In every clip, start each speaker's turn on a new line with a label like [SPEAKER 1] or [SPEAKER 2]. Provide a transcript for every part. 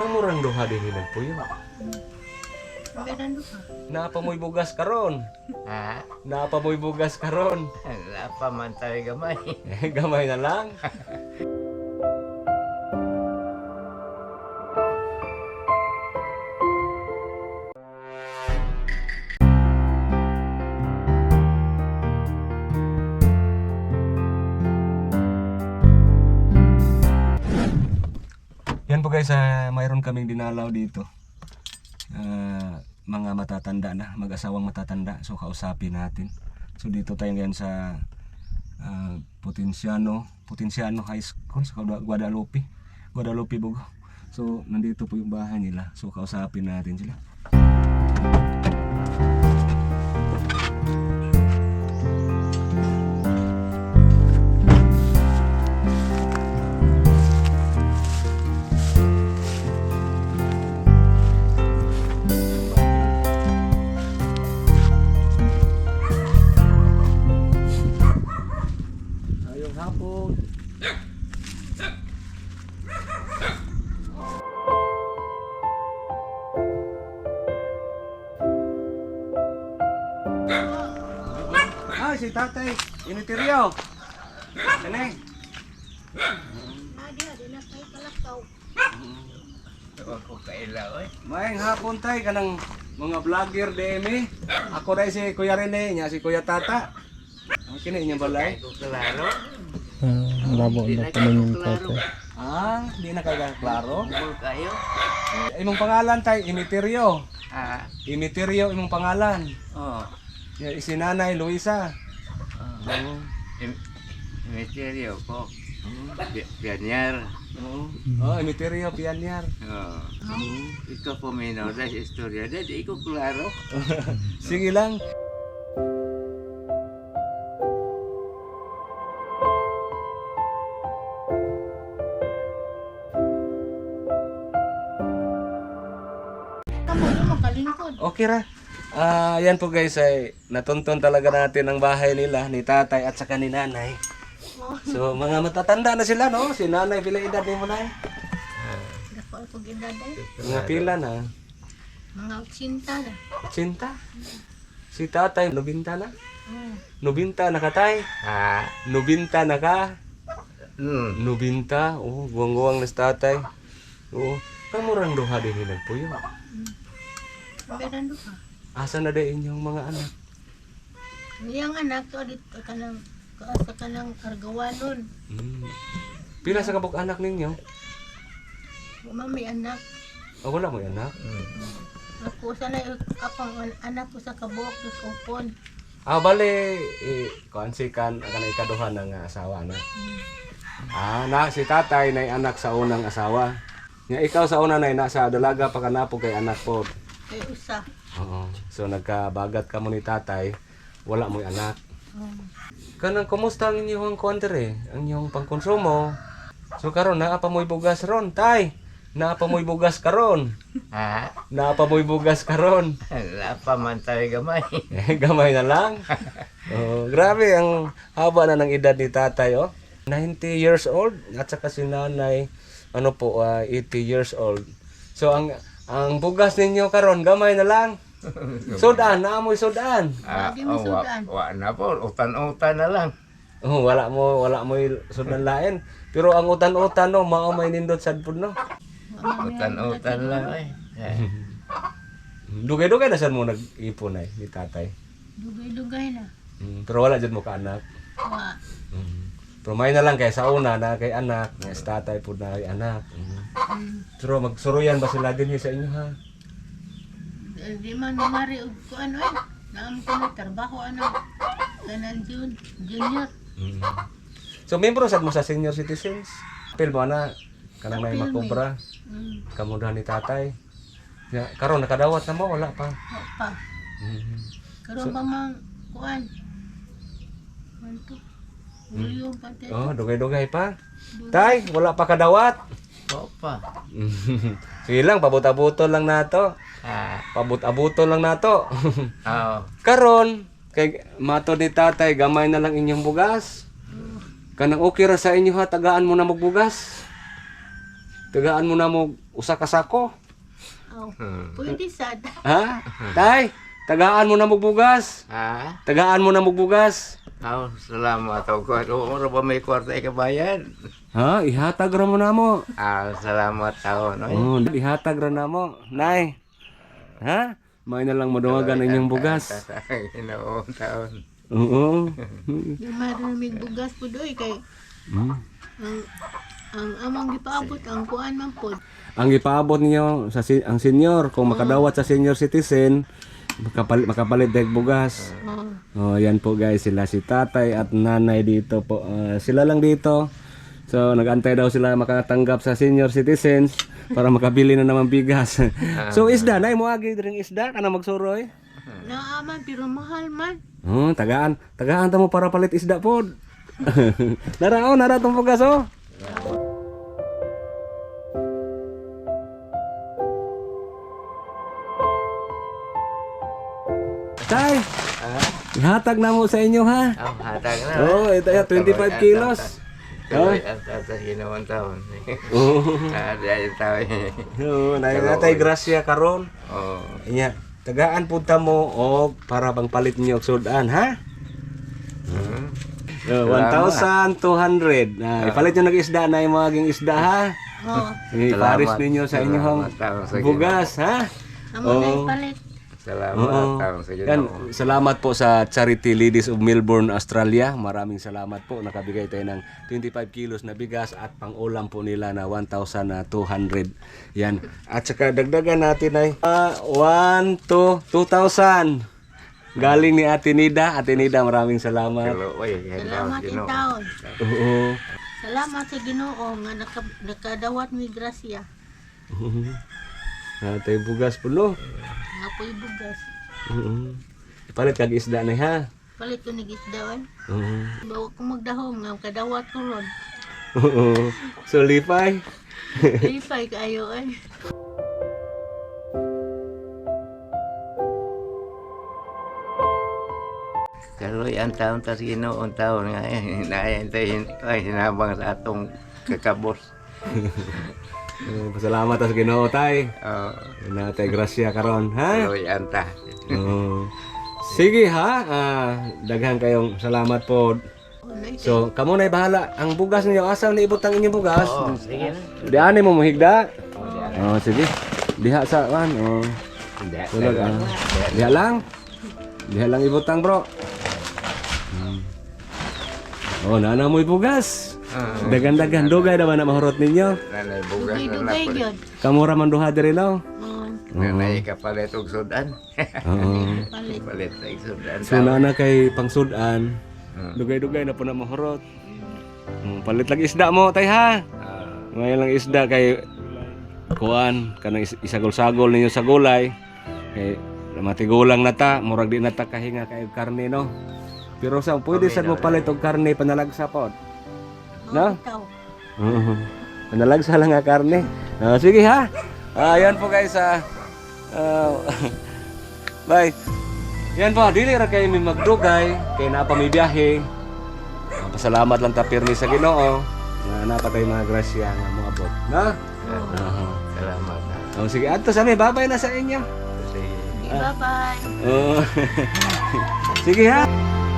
[SPEAKER 1] Kamurang duha din nilang puyo.
[SPEAKER 2] Meron duha.
[SPEAKER 1] Naapa mo'y bugas karon.
[SPEAKER 3] Ha?
[SPEAKER 1] Naapa mo'y bugas karon.
[SPEAKER 3] Wala pa man tayo gamay.
[SPEAKER 1] Gamay na lang. Yan po guys, mayroon kaming dinalaw dito. Mga matatanda na, mag-asawang matatanda. So kausapin natin. So dito tayo ngayon sa Potenciano High School sa Guadalupe Bogo. So nandito po yung bahay nila. So kausapin natin sila. Hapon. Si tatay, initiryo. Kanay.
[SPEAKER 2] Di na kayo kalakaw.
[SPEAKER 3] Huwag ko kailaw eh.
[SPEAKER 1] Maayong hapon tay kanang mga vlogger DM. Ako dai si Kuya Rene, nya si Kuya Tata. Ang kini inyong balay.
[SPEAKER 3] Hindi ko klaro.
[SPEAKER 4] Labo
[SPEAKER 3] Hindi
[SPEAKER 4] na
[SPEAKER 3] na
[SPEAKER 4] pa yung
[SPEAKER 3] kayo klaro.
[SPEAKER 4] tatay.
[SPEAKER 1] Di na kayo klaro.
[SPEAKER 3] Bul kayo.
[SPEAKER 1] Imong pangalan tay, Initiryo.
[SPEAKER 3] Ha?
[SPEAKER 1] Initiryo imong pangalan.
[SPEAKER 3] Oo.
[SPEAKER 1] Si Nanay Luisa.
[SPEAKER 3] Misteryo ko. Pianyar.
[SPEAKER 1] Initiryo Pianyar.
[SPEAKER 3] Oo. Ikaw po may nauda sa istorya. Dadi ko klaro.
[SPEAKER 1] Sige lang.
[SPEAKER 2] Kamu yung makalingkod.
[SPEAKER 1] Okay ra. Yan po guys ay natuntun talaga natin ang bahay nila ni tatay at saka ni nanay. So mga matatanda na sila no. Si nanay pila edad ni mo nay?
[SPEAKER 2] Dako ako gindaday.
[SPEAKER 1] Mga pila na.
[SPEAKER 2] Mga 80 na.
[SPEAKER 1] Cinta. Si tatay nobinta na.
[SPEAKER 2] Hmm.
[SPEAKER 1] Nobinta na ka tay.
[SPEAKER 3] Ha?
[SPEAKER 1] Nobinta na ka.
[SPEAKER 3] Nobinta.
[SPEAKER 1] Oh, guwang-guwang na si tatay. Oo. Kamurang duha din nilang puyo.
[SPEAKER 2] Meron duha.
[SPEAKER 1] Asa na din inyong mga anak?
[SPEAKER 2] Iyang anak to dito kanang sa kanang argawanon.
[SPEAKER 1] Pila sa kabuk anak ninyo?
[SPEAKER 2] Mami anak.
[SPEAKER 1] Wala mo anak.
[SPEAKER 2] Ako sana kapang anak ko sa kabuok sa kupon.
[SPEAKER 1] Bale, kuansikan ang kanay ikaduha ng asawa na. Na si tatay na anak sa unang asawa. Nga ikaw sa una na nasa dalaga pa kanapo kay anak po.
[SPEAKER 2] Kay usa.
[SPEAKER 1] Oo. So nagkabagat ka mo ni tatay, wala mo anak. Kanang kumusta ang inyong kontre, ang inyong pangkonsumo? So karon naa pa mo'y bugas ron, tay. Naa pa mo'y bugas karon.
[SPEAKER 3] Ha?
[SPEAKER 1] Naa pa mo'y bugas karon.
[SPEAKER 3] Wala pa man tayo gamay.
[SPEAKER 1] Gamay na lang. Grabe ang haba na ng edad ni tatay, oh. 90 years old at saka si nanay 80 years old. So ang bugas ninyo karon gamay na lang. Sudan, naamoy sudan.
[SPEAKER 2] Lagi mo sudan.
[SPEAKER 3] Wa na po, utan-utan na lang.
[SPEAKER 1] Wala mo sudan lain. Pero ang utan-utan no, mao may nindot sad pud no.
[SPEAKER 3] Utan-utan lang eh.
[SPEAKER 1] Dugay-dugay na sad mo nag-ipon ay ni tatay.
[SPEAKER 2] Dugay-dugay na.
[SPEAKER 1] Pero wala jud mo ka anak.
[SPEAKER 2] Wa.
[SPEAKER 1] Pero may na lang kay sa una na kay anak, nga sa tatay pud na kay anak. Pero magsuruyan ba sila din sa inyo ha?
[SPEAKER 2] Di man namari og kuan oy. Naam ko na trabaho kanan junior.
[SPEAKER 1] So membro sad mo sa senior citizens. Apil mo na kanang may
[SPEAKER 2] Apil,
[SPEAKER 1] makobra. Kamudahan ni tatay. Ya, karon nakadawat na mo wala pa.
[SPEAKER 2] Wa pa. Karon pa mang kuan. Manto. Uliyon pa tayo.
[SPEAKER 1] Dugay-dugay pa. Tay, wala pa kadawat.
[SPEAKER 3] Opa.
[SPEAKER 1] Sige lang, pabut-abuton lang nato. Pabut-abuton lang nato.
[SPEAKER 3] Oo.
[SPEAKER 1] Karon, kay matod ni tatay, gamay na lang inyong bugas. Kanang okay ra sa inyo ha, tagaan mo na magbugas. tagaan mo na mo usa ka sako.
[SPEAKER 2] Oh, pwede sad.
[SPEAKER 1] Ha? Tay, tagaan mo na mo bugas.
[SPEAKER 3] Ha?
[SPEAKER 1] Tagaan mo na mo bugas.
[SPEAKER 3] Salamat ako. Oro ba may kwarta ikabayan?
[SPEAKER 1] Ha? Ihatag ra mo na mo.
[SPEAKER 3] Salamat ako. No?
[SPEAKER 1] Oh, ihatag ra na mo. Nay. Ha? May na lang maduwagan inyong bugas.
[SPEAKER 3] Inoong taon.
[SPEAKER 1] Oo.
[SPEAKER 2] Di maraming bugas po doy kay
[SPEAKER 1] Hmm.
[SPEAKER 2] ang amang gipaabot ang kuan man pod.
[SPEAKER 1] Ang ipaabot niyo sa ang senior kung makadawat sa senior citizen makapalit dahil bugas. Oh, yan po guys, sila si tatay at nanay dito po. Sila lang dito. So nagantay daw sila makatanggap sa senior citizens para makabili na naman bigas. So isda, nay mo agi dring isda kana magsuroy.
[SPEAKER 2] Naaman pero mahal man.
[SPEAKER 1] Oh, tagaan ta mo para palit isda pod. Nara tong bugas oh. Tay, ihatag na mo sa inyo ha.
[SPEAKER 3] Hatag na.
[SPEAKER 1] Oh, ito ya 25 kilos. Oh.
[SPEAKER 3] At ginawang taon.
[SPEAKER 1] Oh.
[SPEAKER 3] Dahil taon.
[SPEAKER 1] Oh, natay grasya karon.
[SPEAKER 3] Oh.
[SPEAKER 1] Nya, tagaan punta mo og para bang palit niyo og sudan ha. Oh, 1,200. Ipalit niyo ng isda na yung maging isda ha.
[SPEAKER 2] Oh,
[SPEAKER 1] Iparis ninyo sa inyong bugas ha.
[SPEAKER 2] amo na ipalit.
[SPEAKER 3] Salamat taon sa
[SPEAKER 1] Yan,
[SPEAKER 3] Ginoo.
[SPEAKER 1] salamat po sa Charity Ladies of Melbourne, Australia. Maraming salamat po. Nakabigay tayo ng 25 kilos na bigas at pang-ulam po nila na 1,200. Yan. At saka dagdagan natin ay 2,000. Galing ni Ate Nida. Ate Nida, maraming salamat.
[SPEAKER 2] Salamat in taon.
[SPEAKER 1] Oo.
[SPEAKER 2] Salamat sa Ginoo nga nakadawat mi grasya.
[SPEAKER 1] Ate bugas po no.
[SPEAKER 2] Nga po'y bugas.
[SPEAKER 1] Palit kag isda na ha.
[SPEAKER 2] Palit ko nag-isda ay.
[SPEAKER 1] Oo.
[SPEAKER 2] Bawa ko magdahom nga kadawat ko ron.
[SPEAKER 1] Oo. So lipay.
[SPEAKER 2] Lipay kayo ay.
[SPEAKER 3] Karoy ang taon tas Ginoong taon nga naayantay ay sinabang sa atong kakabos.
[SPEAKER 1] Pasalamat sa Ginoo tay.
[SPEAKER 3] Oh,
[SPEAKER 1] Natay grasya karon ha.
[SPEAKER 3] karoy anta.
[SPEAKER 1] Oo. Sige ha. Daghan kayong salamat po. So, kamo na bahala. Ang bugas niyo asa na ibutang inyong bugas?
[SPEAKER 3] Sige na.
[SPEAKER 1] Di ani mo mahigda. Oh, sige. Diha sa kan. Oh.
[SPEAKER 3] Hindi.
[SPEAKER 1] Tulog Diha lang. Diha lang ibutang, bro. Oh, nana mo bugas. Dagan-dagan dugay naman na mahurot ninyo.
[SPEAKER 3] Nanay bugas na
[SPEAKER 2] Dugay-dugay
[SPEAKER 3] napod.
[SPEAKER 2] yun.
[SPEAKER 1] Kamura man duha diri law.
[SPEAKER 3] Nanay kapalit og sudan.
[SPEAKER 1] Oo.
[SPEAKER 2] Palit.
[SPEAKER 3] Palit og sudan.
[SPEAKER 1] So na kay pangsudan. Dugay-dugay na po na mahurot. Palit lang isda mo tay ha. Ngayon lang isda kay kuan kanang isagol-sagol ninyo sa gulay. Kay matigulang na ta, murag di na ta kahinga kay karne no. Pero sa pwede sad mo palit og karne panalagsa pod. No?
[SPEAKER 2] Ikaw.
[SPEAKER 1] Panalagsa lang nga karne. Sige ha. Ayan po guys bye. Yan po, dili ra kay mi magdugay kay naa pa mi biyahe. Pasalamat lang ta pirmi sa Ginoo nga napatay mga grasya nga moabot, no?
[SPEAKER 3] Salamat.
[SPEAKER 1] Oh, sige, adto sa mi, babay na sa inyo.
[SPEAKER 3] Sige.
[SPEAKER 2] Bye-bye.
[SPEAKER 1] Oh. Sige ha.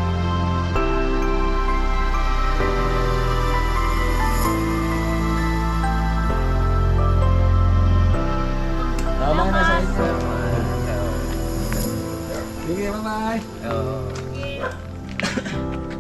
[SPEAKER 1] Babay na sa inyo. Sige, bye-bye.
[SPEAKER 3] Oh.